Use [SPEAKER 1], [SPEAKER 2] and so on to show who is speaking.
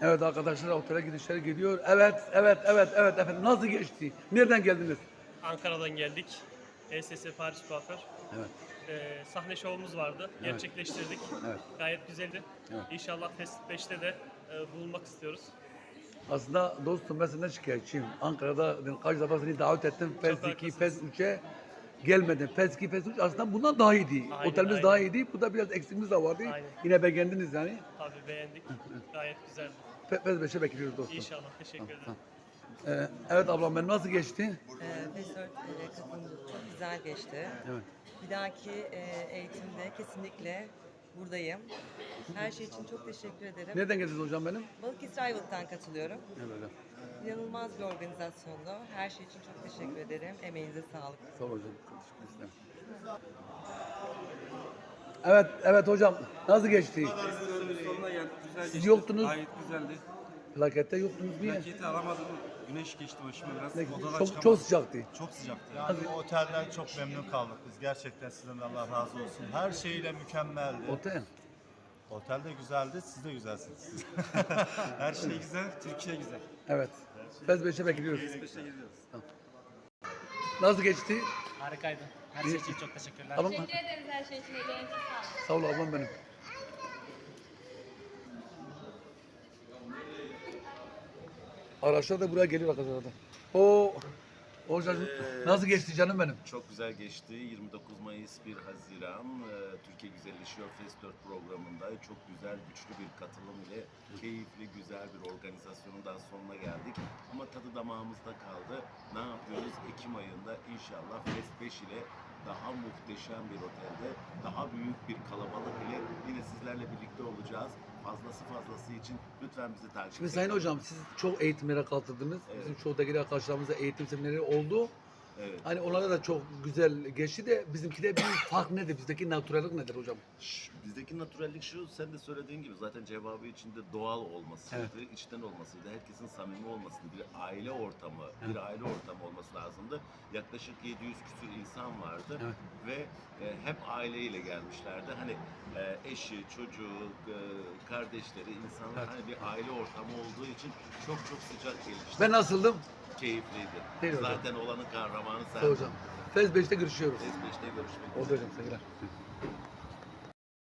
[SPEAKER 1] Evet arkadaşlar otele gidişler gidiyor. Evet efendim. Nasıl geçti? Nereden geldiniz?
[SPEAKER 2] Ankara'dan geldik. ESS Paris Kuaför.
[SPEAKER 1] Evet.
[SPEAKER 2] Sahne şovumuz vardı.
[SPEAKER 1] Evet.
[SPEAKER 2] Gerçekleştirdik.
[SPEAKER 1] Evet.
[SPEAKER 2] Gayet güzeldi.
[SPEAKER 1] Evet.
[SPEAKER 2] İnşallah Fest 5'te de bulunmak istiyoruz.
[SPEAKER 1] Aslında dostum ben senden şikayetçiyim. Ankara'da ben kaç defa seni davet ettim. Fez 2,
[SPEAKER 2] haklısınız.
[SPEAKER 1] Fez 3'e gelmedin. Fez 2, Fez 3 aslında bundan daha iyiydi.
[SPEAKER 2] Aynen,
[SPEAKER 1] Otelimiz
[SPEAKER 2] aynen.
[SPEAKER 1] daha iyiydi. Burada biraz eksiğimiz de vardı.
[SPEAKER 2] Aynen.
[SPEAKER 1] Yine beğendiniz yani.
[SPEAKER 2] Tabii beğendik. Gayet güzeldi.
[SPEAKER 1] Fez 5'e bekliyoruz dostum.
[SPEAKER 2] İnşallah. Teşekkür ederim.
[SPEAKER 1] Evet ablam ben nasıl geçti?
[SPEAKER 3] Festört katılımı çok güzel geçti.
[SPEAKER 1] Evet.
[SPEAKER 3] Bir dahaki eğitimde kesinlikle buradayım. Her şey için çok teşekkür ederim.
[SPEAKER 1] Nereden geldiniz hocam benim?
[SPEAKER 3] Balıkesir Ayvalık'tan katılıyorum.
[SPEAKER 1] Evet.
[SPEAKER 3] İnanılmaz bir organizasyondu. Her şey için çok teşekkür ederim. Emeğinize sağlık.
[SPEAKER 1] Sağ ol hocam. Teşekkür ederim. Evet hocam. Nasıl geçti?
[SPEAKER 4] Sonuna geldik, güzel
[SPEAKER 1] Siz
[SPEAKER 4] geçti.
[SPEAKER 1] yoktunuz.
[SPEAKER 4] Gayet güzeldi.
[SPEAKER 1] Plakette yoktunuz niye?
[SPEAKER 4] Plaketi alamadım. Güneş geçti başıma biraz.
[SPEAKER 1] Ne-
[SPEAKER 4] Odadan
[SPEAKER 1] Çok,
[SPEAKER 4] çıkamadım.
[SPEAKER 1] çok sıcaktı.
[SPEAKER 4] Çok sıcaktı.
[SPEAKER 5] Yani otelden çok memnun kaldık biz. Gerçekten sizden de Allah razı olsun. Her şeyle mükemmeldi.
[SPEAKER 1] Otel.
[SPEAKER 5] Otel de güzeldi, siz de güzelsiniz.
[SPEAKER 4] Her şey güzel, Türkiye güzel.
[SPEAKER 1] Evet. Fez 5'e bekliyoruz.
[SPEAKER 4] Biz gidiyoruz.
[SPEAKER 1] Nasıl geçti?
[SPEAKER 2] Harikaydı. Her şey için çok teşekkürler.
[SPEAKER 1] Ablam,
[SPEAKER 6] Teşekkür ederiz her şey için. Ellerinize sağlık.
[SPEAKER 1] sağ ol ablam benim. Araçlar da buraya geliyor arkadaşlar. O hocam nasıl geçti canım benim?
[SPEAKER 7] Çok güzel geçti. 29 Mayıs 1 Haziran Türkiye Güzelleşiyor Fest 4 programında çok güzel, güçlü bir katılım ile keyifli, güzel bir organizasyonun daha sonuna geldik. Ama tadı damağımızda kaldı. Ne yapıyoruz? Ekim ayında inşallah Fest 5 ile daha muhteşem bir otelde, daha büyük bir kalabalık ile yine sizlerle birlikte olacağız. Fazlası için lütfen bizi takip
[SPEAKER 1] Şimdi
[SPEAKER 7] edin.
[SPEAKER 1] Sayın Hocam siz çok eğitimlere katıldınız. Bizim çoğudaki arkadaşlarımızda eğitim seminerleri oldu.
[SPEAKER 7] Evet.
[SPEAKER 1] Hani onlarda da çok güzel geçti de bizimkide bir fark nedir? Bizdeki naturallik nedir hocam?
[SPEAKER 7] Bizdeki naturallik şu, sen de söylediğin gibi zaten cevabı içinde doğal olmasıydı, içten olmasıydı, herkesin samimi olmasıydı, bir aile ortamı, olması lazımdı. Yaklaşık 700 küsur insan vardı ve hep aileyle gelmişlerdi. Hani eşi, çocuğu, kardeşleri, insanlar hani bir aile ortamı olduğu için çok sıcak gelişti.
[SPEAKER 1] Ben nasıldım?
[SPEAKER 7] Keyifliydi.
[SPEAKER 1] Değil hocam.
[SPEAKER 7] Zaten olanın kahramanı sen.
[SPEAKER 1] Sağ ol hocam. Fez 5'te görüşüyoruz.
[SPEAKER 7] Fez 5'te görüşmek üzere.
[SPEAKER 1] Oldu hocam sevgiler.